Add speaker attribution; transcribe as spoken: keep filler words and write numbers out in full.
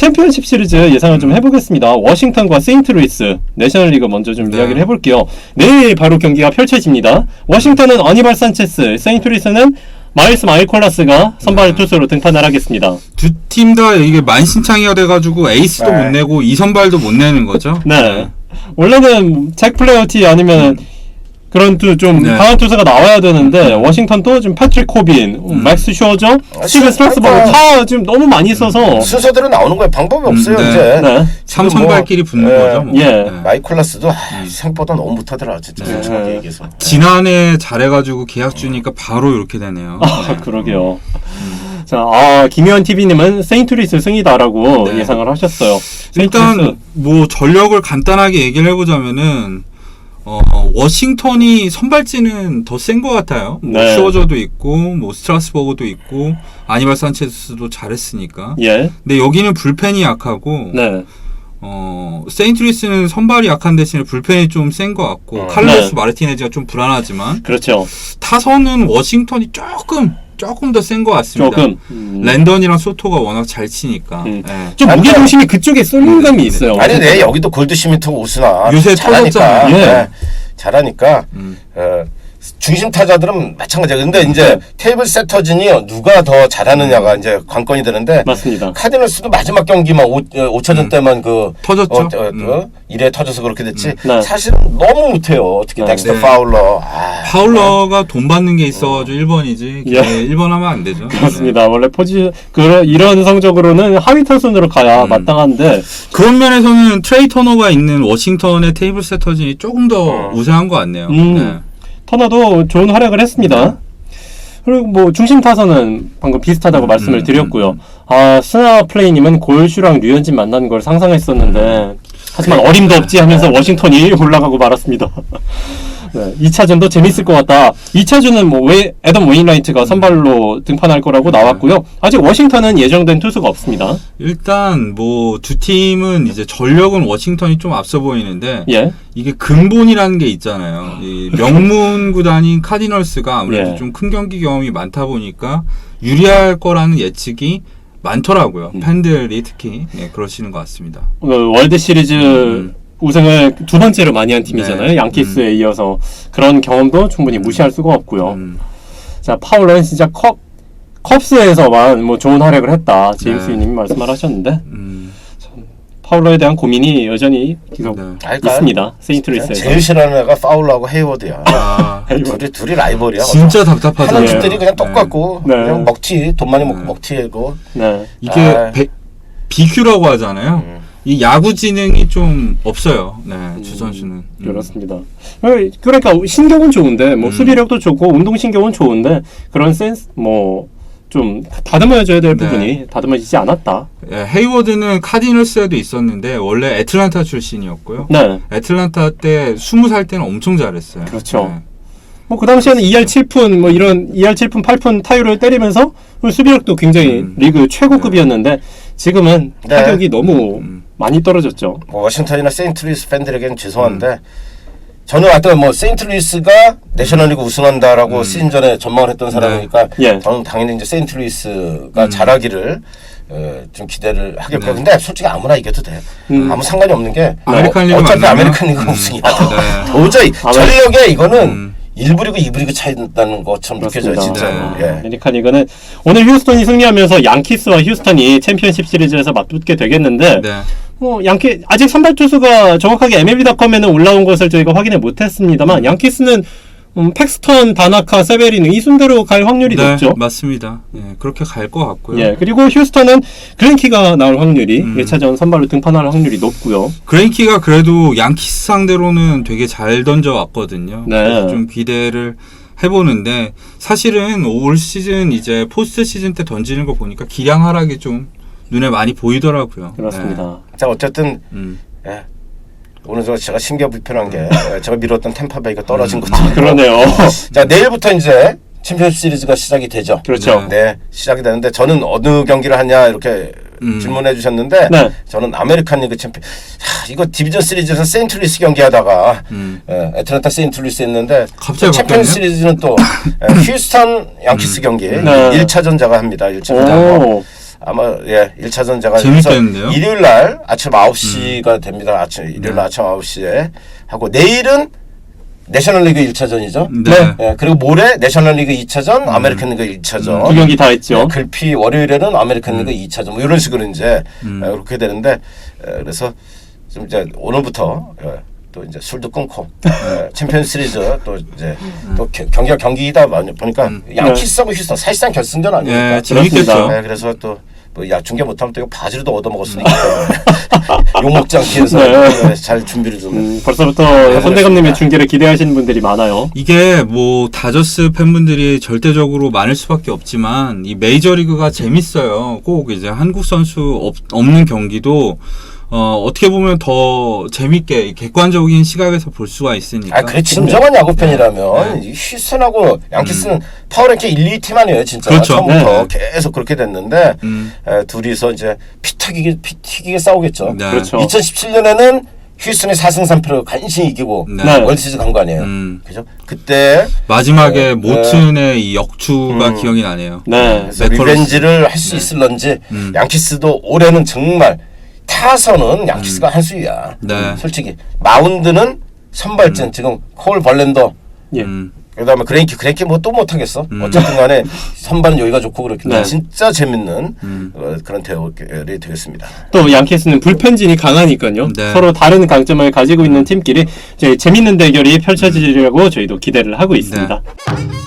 Speaker 1: 챔피언십 시리즈 예상을 좀 해보겠습니다. 워싱턴과 세인트루이스 내셔널리그 먼저 좀 네. 이야기를 해볼게요. 내일 바로 경기가 펼쳐집니다. 워싱턴은 어니발 산체스, 세인트루이스는 마일스 마이콜라스가 선발 네. 투수로 등판을 하겠습니다.
Speaker 2: 두 팀 다 이게 만신창이가 돼가지고 에이스도 네. 못 내고 이 선발도 못 내는 거죠.
Speaker 1: 네. 네. 원래는 잭 플레어티 아니면 음. 그런 또 좀 네. 강한 투수가 나와야 되는데 음. 워싱턴도 지금 패트릭 코빈, 음. 맥스 슈어저, 아, 스티븐 스트라스버그 다 지금 너무 많이 있어서
Speaker 3: 순서대로 나오는 거예요. 방법이 없어요.
Speaker 2: 음, 네.
Speaker 3: 이제
Speaker 2: 네. 삼선발끼리 뭐, 붙는 네. 거죠. 뭐.
Speaker 1: 예.
Speaker 2: 네.
Speaker 3: 마이콜라스도 아, 생각보다 너무 못하더라. 진짜 솔직하게 네. 얘기해서.
Speaker 2: 지난해 잘해가지고 계약 주니까 바로 이렇게 되네요.
Speaker 1: 아
Speaker 2: 네.
Speaker 1: 그러게요. 음. 자, 아, 김효한 티비님은 세인트루이스 승이다라고 네. 예상을 하셨어요.
Speaker 2: 일단 뭐 전력을 간단하게 얘기를 해보자면은. 어, 워싱턴이 선발진은 더 센 것 같아요. 네. 뭐 슈어저도 있고, 뭐 스트라스버그도 있고, 아니발 산체스도 잘했으니까.
Speaker 1: 예.
Speaker 2: 근데 여기는 불펜이 약하고,
Speaker 1: 네.
Speaker 2: 어, 세인트루이스는 선발이 약한 대신에 불펜이 좀 센 것 같고, 어. 칼로스 네. 마르티네즈가 좀 불안하지만,
Speaker 1: 그렇죠.
Speaker 2: 타선은 워싱턴이 조금 조금 더 센 것 같습니다.
Speaker 1: 조금. 음.
Speaker 2: 랜던이랑 소토가 워낙 잘 치니까.
Speaker 1: 음.
Speaker 2: 네.
Speaker 1: 좀 무게 중심이 그쪽에 쏠린 감이 있어요.
Speaker 3: 아니, 네, 여기도 골드 시민트 우스나
Speaker 2: 요새
Speaker 3: 잘하니까.
Speaker 1: 예.
Speaker 3: 네, 잘하니까.
Speaker 2: 음.
Speaker 3: 어, 중심 타자들은 마찬가지예요. 근데 이제 테이블 세터진이 누가 더 잘하느냐가 이제 관건이 되는데.
Speaker 1: 맞습니다.
Speaker 3: 카디널스도 마지막 경기만 오 차전 음. 때만 그
Speaker 2: 터졌죠.
Speaker 3: 어, 어,
Speaker 2: 음.
Speaker 3: 어, 이래 터져서 그렇게 됐지.
Speaker 1: 음. 네.
Speaker 3: 사실은 너무 못해요. 특히
Speaker 1: 네.
Speaker 3: 덱스터
Speaker 2: 네.
Speaker 3: 파울러. 아,
Speaker 2: 파울러가 돈 받는 게 있어가지고 일 번이지.
Speaker 1: 예.
Speaker 2: 네, 일 번 하면 안 되죠.
Speaker 1: 그렇습니다.
Speaker 2: 네.
Speaker 1: 원래 포지 그 이런 성적으로는 하위 타순으로 가야
Speaker 2: 음.
Speaker 1: 마땅한데
Speaker 2: 그런 면에서는 트레이 터너가 있는 워싱턴의 테이블 세터진이 조금 더
Speaker 3: 어.
Speaker 2: 우세한 것 같네요.
Speaker 1: 음.
Speaker 2: 네.
Speaker 1: 터너도 좋은 활약을 했습니다. 그리고 뭐 중심 타선은 방금 비슷하다고
Speaker 2: 음,
Speaker 1: 말씀을
Speaker 2: 음,
Speaker 1: 드렸고요.
Speaker 2: 음.
Speaker 1: 아 스나 플레이님은 골슈랑 류현진 만나는 걸 상상했었는데 하지만 어림도 없지 하면서 워싱턴이 올라가고 말았습니다. 네, 이 차전도 재밌을 것 같다. 이 차전은 뭐 왜 애덤 웨인라이트가 선발로 등판할 거라고 나왔고요. 아직 워싱턴은 예정된 투수가 없습니다.
Speaker 2: 일단 뭐 두 팀은 이제 전력은 워싱턴이 좀 앞서 보이는데
Speaker 1: 예.
Speaker 2: 이게 근본이라는 게 있잖아요. 이 명문 구단인 카디널스가 아무래도
Speaker 1: 예.
Speaker 2: 좀 큰 경기 경험이 많다 보니까 유리할 거라는 예측이 많더라고요.
Speaker 1: 음.
Speaker 2: 팬들이 특히 네, 그러시는 것 같습니다.
Speaker 1: 어, 월드 시리즈
Speaker 2: 음.
Speaker 1: 우승을 두 번째로 많이 한 팀이잖아요.
Speaker 2: 네.
Speaker 1: 양키스에
Speaker 2: 음.
Speaker 1: 이어서 그런 경험도 충분히 무시할 수가 없고요.
Speaker 2: 음.
Speaker 1: 자, 파울러는 진짜 컵 컵스에서만 뭐 좋은 활약을 했다. 제임스
Speaker 2: 네.
Speaker 1: 님이 말씀을 하셨는데
Speaker 2: 음.
Speaker 1: 파울러에 대한 고민이 여전히 계속
Speaker 2: 네.
Speaker 1: 있습니다. 세인트루이스에서.
Speaker 3: 제일 싫어하는 애가 파울러하고 헤이워드야.
Speaker 2: 아,
Speaker 3: 둘이 둘이 라이벌이야.
Speaker 2: 진짜 답답하죠.
Speaker 3: 하는
Speaker 1: 네.
Speaker 3: 짓들이 그냥 똑같고
Speaker 1: 네.
Speaker 3: 그냥 먹튀 돈 많이 먹고
Speaker 2: 네.
Speaker 3: 먹튀고.
Speaker 1: 네.
Speaker 2: 이게
Speaker 3: 아.
Speaker 2: 배, 비큐라고 하잖아요.
Speaker 3: 음.
Speaker 2: 이 야구 지능이 좀 없어요. 네, 주 선수는. 음.
Speaker 1: 그렇습니다. 그러니까 신경은 좋은데 뭐
Speaker 2: 음.
Speaker 1: 수비력도 좋고 운동 신경은 좋은데 그런 센스 뭐 좀 다듬어줘야 될
Speaker 2: 네.
Speaker 1: 부분이 다듬어지지 않았다.
Speaker 2: 예, 헤이워드는 카디널스에도 있었는데 원래 애틀란타 출신이었고요.
Speaker 1: 네.
Speaker 2: 애틀란타 때 스무 살 때는 엄청 잘했어요.
Speaker 1: 그렇죠.
Speaker 2: 네.
Speaker 1: 뭐 그 당시에는 이 할 칠 푼 뭐 이런 이 할 칠 푼 팔 푼 타율을 때리면서 수비력도 굉장히
Speaker 2: 음.
Speaker 1: 리그 최고급이었는데 지금은
Speaker 3: 네.
Speaker 1: 타격이 너무
Speaker 2: 음.
Speaker 1: 많이 떨어졌죠.
Speaker 3: 뭐 워싱턴이나 세인트루이스 팬들에게는 죄송한데 음. 저는 하여튼 뭐 세인트루이스가 내셔널리그 우승한다라고
Speaker 2: 음.
Speaker 3: 시즌 전에 전망을 했던 사람이니까
Speaker 1: 예.
Speaker 3: 저는 당연히 이제 세인트루이스가
Speaker 2: 음.
Speaker 3: 잘하기를 어, 좀 기대를 하겠고
Speaker 2: 네.
Speaker 3: 근데 솔직히 아무나 이겨도 돼.
Speaker 1: 음.
Speaker 3: 아무 상관이 없는 게
Speaker 2: 아메리칸
Speaker 3: 어,
Speaker 2: 리그
Speaker 3: 어차피
Speaker 2: 만나면?
Speaker 3: 아메리칸 리그
Speaker 2: 음.
Speaker 3: 우승이야.
Speaker 2: 네.
Speaker 3: 도저히
Speaker 1: 아메-
Speaker 3: 전력에 이거는
Speaker 2: 음.
Speaker 3: 일 부 리그, 이 부 리그 차이 난다는 것처럼 느껴져요.
Speaker 1: 그렇습니다.
Speaker 3: 진짜.
Speaker 2: 네.
Speaker 3: 예.
Speaker 1: 아메리칸 리그는 오늘 휴스턴이 승리하면서 양키스와 휴스턴이 챔피언십 시리즈에서 맞붙게 되겠는데
Speaker 2: 네.
Speaker 1: 뭐 양키 아직 선발 투수가 정확하게 엠엘비닷컴에는 올라온 것을 저희가 확인을 못했습니다만 양키스는 음, 팩스턴, 다나카, 세베리는 이 순대로 갈 확률이
Speaker 2: 네,
Speaker 1: 높죠.
Speaker 2: 맞습니다. 예, 그렇게 갈 것 같고요.
Speaker 1: 예, 그리고 휴스턴은 그랜키가 나올 확률이
Speaker 2: 음.
Speaker 1: 일 차전 선발로 등판할 확률이 높고요.
Speaker 2: 그레인키가 그래도 양키스 상대로는 되게 잘 던져왔거든요.
Speaker 1: 네.
Speaker 2: 그래서 좀 기대를 해보는데 사실은 올 시즌 이제 포스트 시즌 때 던지는 거 보니까 기량 하락이 좀 눈에 많이 보이더라고요.
Speaker 1: 그렇습니다.
Speaker 3: 자 어쨌든
Speaker 2: 네. 음.
Speaker 3: 예. 오늘 저 제가 신경 불편한 게 예, 제가 미뤘던 템파베이가 떨어진
Speaker 2: 음.
Speaker 3: 것도
Speaker 1: 아, 그러네요.
Speaker 3: 자 내일부터 이제 챔피언십 시리즈가 시작이 되죠.
Speaker 1: 그렇죠.
Speaker 3: 네, 시작이 되는데 저는 어느 경기를 하냐 이렇게
Speaker 2: 음.
Speaker 3: 질문해 주셨는데
Speaker 1: 네.
Speaker 3: 저는 아메리칸 리그 챔피 하, 이거 디비전 시리즈에서 세인트루이스 경기하다가
Speaker 2: 음.
Speaker 3: 예, 애틀란타 세인트루이스 했는데
Speaker 2: 갑자기
Speaker 3: 챔피언
Speaker 2: 바뀌었네요?
Speaker 3: 시리즈는 또 예, 휴스턴 양키스 경기
Speaker 1: 네.
Speaker 3: 일 차전자가 합니다. 일 차전자.
Speaker 1: 오,
Speaker 3: 아마 예 일 차전 제가
Speaker 2: 재밌겠는데요?
Speaker 3: 일요일 날 아침 아홉 시가 됩니다. 아침 일요일 날 아침 아홉 시에 하고 내일은 내셔널리그 일 차전이죠.
Speaker 2: 네.
Speaker 3: 예, 그리고 모레 내셔널리그 이 차전, 아메리칸 리그 일 차전.
Speaker 1: 두 경기 다 했죠.
Speaker 3: 예, 글피 월요일에는 아메리칸 리그 이 차전 뭐 이런 식으로 이제
Speaker 2: 음.
Speaker 3: 예, 그렇게 되는데 예, 그래서 좀 이제 오늘부터 예, 또 이제 술도 끊고 예, 챔피언 시리즈 또 이제 또 겨- 경기가 경기이다 보니까 양키스하고 휴스턴 사실상 결승전 아닙니까?
Speaker 2: 예, 재밌겠죠.
Speaker 3: 네, 그래서 또 뭐 야 중계 못하면 또 이거 바지로도 얻어먹을 수도 있기 때문에 욕 먹지 않기 위해서
Speaker 1: 네.
Speaker 3: 잘 준비를 좀
Speaker 1: 음, 벌써부터
Speaker 3: 네,
Speaker 1: 손대감님의 중계를 기대하시는 분들이 많아요.
Speaker 2: 이게 뭐 다저스 팬분들이 절대적으로 많을 수밖에 없지만 이 메이저리그가 재밌어요. 꼭 이제 한국 선수 없, 없는 경기도 어, 어떻게 보면 더 재밌게 객관적인 시각에서 볼 수가 있으니까.
Speaker 3: 아, 그래 진정한 야구 팬이라면 이 휴스턴하고 양키스는 파워랭킹 일, 이 팀 아니에요, 진짜.
Speaker 2: 그렇죠.
Speaker 3: 처음부터
Speaker 1: 네.
Speaker 3: 계속 그렇게 됐는데
Speaker 2: 음.
Speaker 3: 에, 둘이서 이제 피 튀기게 피 튀기게 싸우겠죠.
Speaker 2: 네.
Speaker 1: 그렇죠.
Speaker 3: 이천십칠 년에는 휴스턴이 사 승 삼 패로 간신히 이기고
Speaker 2: 네.
Speaker 1: 네.
Speaker 3: 월시리즈 간 거 아니에요.
Speaker 2: 음.
Speaker 3: 그죠? 그때
Speaker 2: 마지막에
Speaker 3: 네.
Speaker 2: 모튼의 이 역주가
Speaker 3: 음.
Speaker 2: 기억이 나네요.
Speaker 1: 네.
Speaker 3: 그래서
Speaker 2: 네콜러스.
Speaker 3: 리벤지를 할 수 있을런지
Speaker 2: 음.
Speaker 3: 양키스도 올해는 정말 타선은 양키스가 한 수위야.
Speaker 2: 네.
Speaker 3: 솔직히 마운드는 선발진 지금 콜 벌렌더
Speaker 1: 예.
Speaker 2: 음.
Speaker 3: 그다음에 그레인키 그레인키 뭐 또 못하겠어.
Speaker 2: 음.
Speaker 3: 어쨌든 간에 선발은 여기가 좋고 그렇기 때문에
Speaker 1: 네.
Speaker 3: 진짜 재밌는
Speaker 2: 음.
Speaker 3: 어, 그런 대결이 되겠습니다.
Speaker 1: 또 양키스는 불펜진이 강하니까요.
Speaker 2: 네.
Speaker 1: 서로 다른 강점을 가지고 있는 팀끼리 이제 재밌는 대결이 펼쳐지려고 저희도 기대를 하고 있습니다.
Speaker 2: 네.